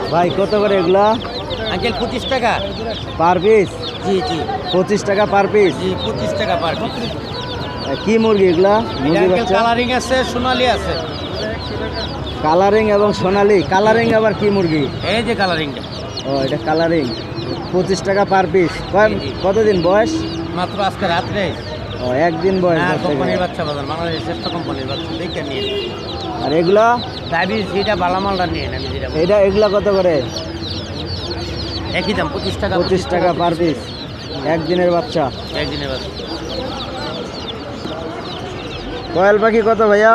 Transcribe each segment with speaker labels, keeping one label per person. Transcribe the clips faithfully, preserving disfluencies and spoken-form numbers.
Speaker 1: ভাই কত করে এগুলা?
Speaker 2: আঙ্কেল পঁচিশ টাকা
Speaker 1: পার পিস?
Speaker 2: জি জি
Speaker 1: পঁচিশ টাকা পার পিস?
Speaker 2: জি পঁচিশ টাকা পার পিস।
Speaker 1: কি মুরগি এগুলা? মুরগি বাচ্চা?
Speaker 2: কালারিং আছে, সোনালি আছে।
Speaker 1: কালারিং এবং সোনালি। কালারিং আবার কি মুরগি?
Speaker 2: এই যে কালারিংটা।
Speaker 1: ও এটা কালারিং। পঁচিশ টাকা পার পিস। কতদিন বয়স?
Speaker 2: মাত্র আজকে রাত্রে।
Speaker 1: ও একদিন বয়স।
Speaker 2: হ্যাঁ, কোম্পানির বাচ্চা বাজার, বাংলাদেশের শ্রেষ্ঠ কোম্পানির বাচ্চা দেখে নিয়ে।
Speaker 1: আর এগুলা?
Speaker 2: ডায়াবেটিস যেটা বালামালটা নিয়ে আমি যেটা
Speaker 1: এটা এগুলা কত করে?
Speaker 2: একই দাম পঁচিশ টাকা।
Speaker 1: পঁচিশ টাকা পার পিস। একদিনের বাচ্চা।
Speaker 2: একদিনের বাচ্চা।
Speaker 1: কয়েল পাখি কত ভাইয়া?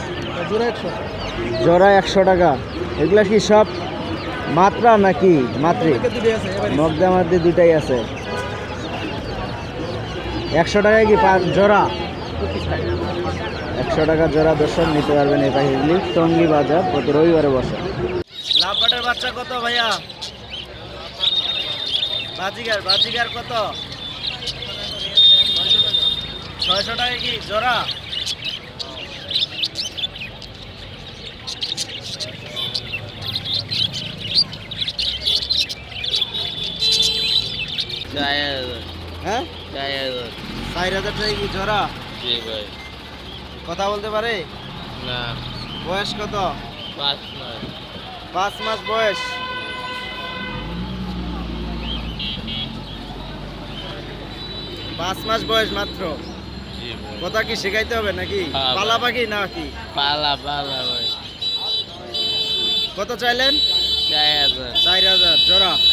Speaker 1: জোড়া একশো টাকা। এগুলা কি সব মাত্রা নাকি মাত্রি? মগদা মাদ্রি দুটাই আছে। একশো টাকায় কি জোড়া? একশো টাকা জোড়া দর্শক নিতে পারবেন এই পাখিগুলি। টঙ্গী বাজার প্রতি রবিবারে বসে। লাভবাটের বাচ্চা কত ভাইয়া? বাজিগার বাজিগার কত? ছয়শো টাকা কি জোড়া? হ্যাঁ চার হাজার টাকা কি জোড়া?
Speaker 2: জি ভাই।
Speaker 1: কথা বলতে পারে
Speaker 2: না।
Speaker 1: বয়স কত?
Speaker 2: পাঁচ মাস।
Speaker 1: পাঁচ মাস বয়স। পাঁচ মাস বয়স মাত্র। কথা কি শেখাইতে হবে নাকি? পালা পাখি নাকি?
Speaker 2: পালা পালা ভাই।
Speaker 1: কত চাইলেন?
Speaker 2: চার হাজার।
Speaker 1: চার হাজার জোড়া।